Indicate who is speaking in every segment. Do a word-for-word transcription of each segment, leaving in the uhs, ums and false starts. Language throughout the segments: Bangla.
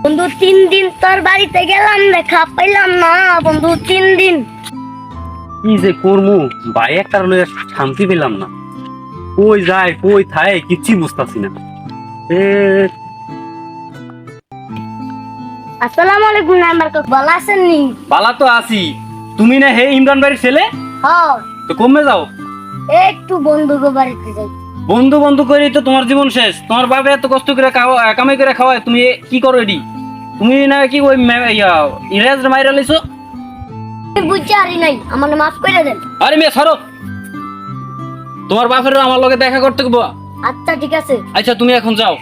Speaker 1: বন্ধু তিন দিন তোর বাড়িতে গেলাম, দেখা পাইলাম না বন্ধু। তিন দিন
Speaker 2: কি যে করবো ভাই, একটা লইয়া শান্তি পেলাম না। কই যায় কই থায় কিচ্ছু বুঝতাছি না। এ
Speaker 1: আসসালামু আলাইকুম। নাম্বার কত ভালো আছেন নি?
Speaker 2: বালা তো আছি। তুমি না হে ইমরান ভাইয়ের ছেলে?
Speaker 1: হ্যাঁ,
Speaker 2: তো কমে যাও।
Speaker 1: একটু বন্ধু গো বাড়িতে যাই।
Speaker 2: বন্ধু বন্ধু করি তো তোমার জীবন শেষ। তোমার বাবা এত কষ্ট করে খাওয়া কামাই করে খাওয়ায়, তুমি কি করো এডি? তুমি না কি ওই মে- ইয়া, ইংরেজ মাইরা লাইছো?
Speaker 1: আমি বুঝতে পারি নাই, আমার মাফ করে দেন।
Speaker 2: আরে মেয়ে সরো, তোমার বাপের আমার লগে দেখা করতে গো।
Speaker 1: আচ্ছা ঠিক আছে।
Speaker 2: আচ্ছা তুমি এখন যাও।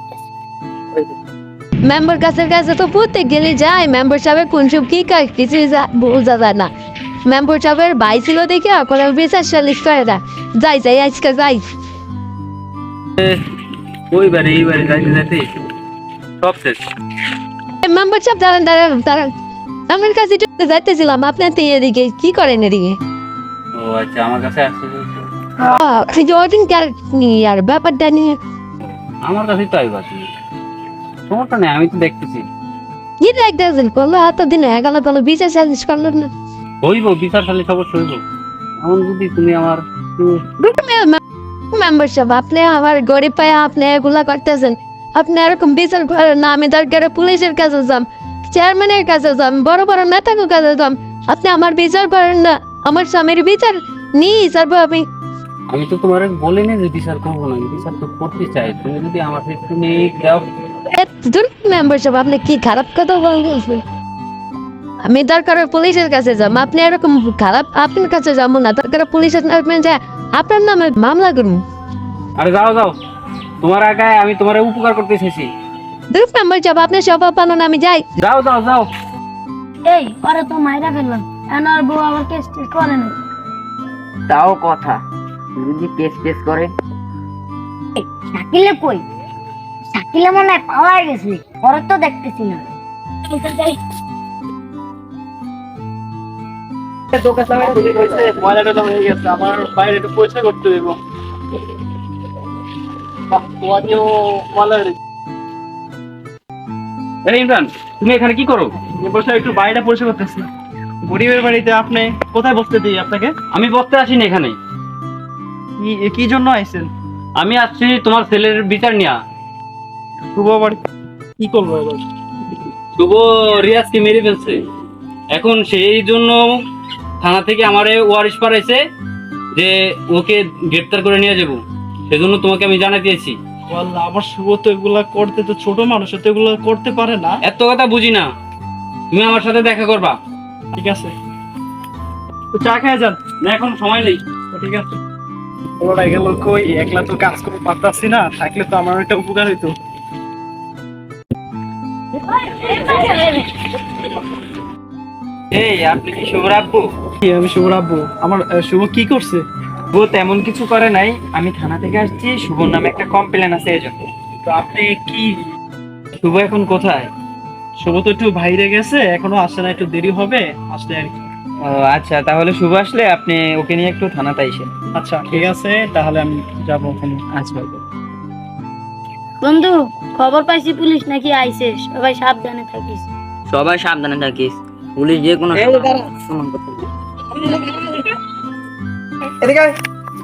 Speaker 3: মেম্বার কাছের কাছে তো প্রত্যেক গেলে যায়, মেম্বার সাহেবের কোন সব কি কাজ কিছু বোঝা যায় না। মেম্বার সাহেবের ভাই ছিল দেখে এখন বিচার সালিশ করে না। যাই যাই আজকে যাই।
Speaker 2: ওই বারে এই বারে যাইতে যাইতে সব শেষ।
Speaker 3: মেম্বার সাহেব দাঁড়ান দাঁড়ান দাঁড়ান, আমার কাছে একটু যাইতেছিলাম, আপনার তো এদিকে কি করেন এদিকে?
Speaker 2: ও আচ্ছা, আমার কাছে আসছে।
Speaker 3: জর্ডিন আর ব্যাপারটা নিয়ে
Speaker 2: আমার কাছে তো আইবা তুমি, সমস্যা নেই, আমি তো দেখতেছি।
Speaker 3: কি দেখতেছেন? করলো এত দিন হয়ে গেল, তাহলে বিচার সালিশ করলো না।
Speaker 2: হইব বিচার সালিশ অবশ্যই হইব। এমন যদি তুমি আমার
Speaker 3: মেম্বার সাহেব, আপনি আমার গরিব পায়ে আপনি এগুলা করতেছেন। আপনি এরকম বিচার করেন না। আমি দরকারে পুলিশের কাছে যাম, চেয়ারম্যানের কাছে যাম, বড় বড় নেতার কাছে যাম। আপনি আমার বিচার করেন না। আমার স্বামীর বিচার নিয়ে যাবো আমি।
Speaker 2: আমি তো তোমার বলিনি যে বিচার করবো না, আমি বিচার তো করতে চাই। তুমি যদি আমার ক্ষেত্রে নিয়ে দাও।
Speaker 3: মেম্বার সাহেব, আপনি কি খারাপ কথা বলছেন? আমি দরকারে পুলিশের কাছে যাম, আপনি এরকম খারাপ আপনার কাছে যাবো না। দরকারে পুলিশের নামে যায় আপনার নামে মামলা করুন।
Speaker 2: আরে যাও যাও, তোমার আগে আমি তোমার উপকার করতে চাইছি।
Speaker 3: দুই মেম্বার সাহেব, আপনি সব পালন, আমি যাই।
Speaker 2: যাও যাও যাও।
Speaker 1: এই পরে তো মাইরা ফেললাম, এনার বউ আমার কেস টেস করে না।
Speaker 4: তাও কথা, যদি কেস কেস করে।
Speaker 1: এই, শাকিলে কই? শাকিলে মনে হয় পাওয়া গেছে, পরে তো দেখতেছি না।
Speaker 5: ময়লাটা হয়ে গেছে, আমার বাইরে একটু পরিষ্কার করতে দেবো।
Speaker 2: এই ইমরান, তুমি এখানে কি করো?
Speaker 5: বসে একটু বাড়িটা পরিষ্কার করতেছি। গরিবের বাড়িতে আপনি কোথায় বসতে দিই আপনাকে?
Speaker 2: আমি বসতে আসিনি এখানে।
Speaker 5: কি- কি জন্য আইছেন?
Speaker 2: আমি আসছি তোমার ছেলের বিচার নিয়া।
Speaker 5: শুভ বাড়ি কি করবো এবার?
Speaker 2: শুভ রিয়াজকে মেরে ফেলছে। এখন সেই জন্য থানা থেকে আমারে ওয়ারিশ পাঠাইছে যে ওকে গ্রেফতার করে নিয়ে যাব। সেজন্য তোমাকে আমি জানাই দিয়েছি।
Speaker 5: বললাম, আমার শুভ তো এগুলা করতে, তো ছোট মানুষ তো এগুলো করতে পারে না।
Speaker 2: এত কথা বুঝি না, তুমি আমার সাথে দেখা করবা।
Speaker 5: ঠিক আছে, তো চা খেয়ে যান।
Speaker 2: না এখন সময় নেই।
Speaker 5: তো ঠিক আছে। ওরা গেল কই, একলা তো কাজ করতে পারতাছি না, থাকলে তো আমার একটা উপকার হইতো।
Speaker 2: এই আপনি কি শুভ রাখবো?
Speaker 5: কি, আমি শুভ রাখবো? আমার আহ, শুভ কি করছে?
Speaker 6: শুভ তেমন কিছু করে নাই, আমি থানা থেকে আসছি, শুভর নামে একটা কমপ্লেন আছে এজন্য।
Speaker 5: তো আপনি কি?
Speaker 6: শুভ এখন কোথায়?
Speaker 5: শুভ তো একটু বাইরে গেছে, এখনো আসে না, একটু দেরি হবে আসলে আর কি।
Speaker 6: ও আচ্ছা, তাহলে শুভ আসলে আপনি ওকে নিয়ে একটু থানাতে আইসেন।
Speaker 5: আচ্ছা ঠিক আছে, তাহলে আমি যাবো ওখানে।
Speaker 6: আচ্ছা।
Speaker 1: বন্ধু, খবর পাইছি পুলিশ নাকি আইছে, সবাই সাবধানে থাকিস।
Speaker 4: সবাই সাবধানে থাকিস, পুলিশ যে কোনো
Speaker 6: এই দাঁড়া।
Speaker 4: সময় করতে পারে।
Speaker 6: এদিকে আয়।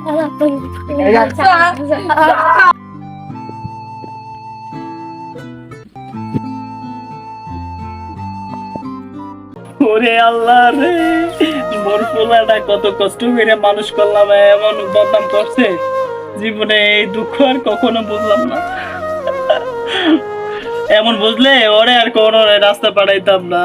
Speaker 5: ওরে আল্লাহ রে, মোর পোলাটা কত কষ্ট করে মানুষ করলাম, এমন বদনাম করছে। জীবনে এই দুঃখ আর কখনো বুঝলাম না। এমন বুঝলে ওরে আর কোনো রাস্তা পাঠাইতাম না।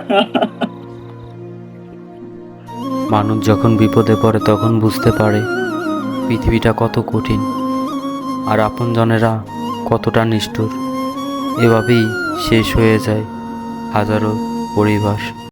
Speaker 7: মানুষ যখন বিপদে পড়ে তখন বুঝতে পারে পৃথিবীটা কত কঠিন আর আপনজনেরা কতটা নিষ্ঠুর। এভাবেই শেষ হয়ে যায় হাজারো পরিবার।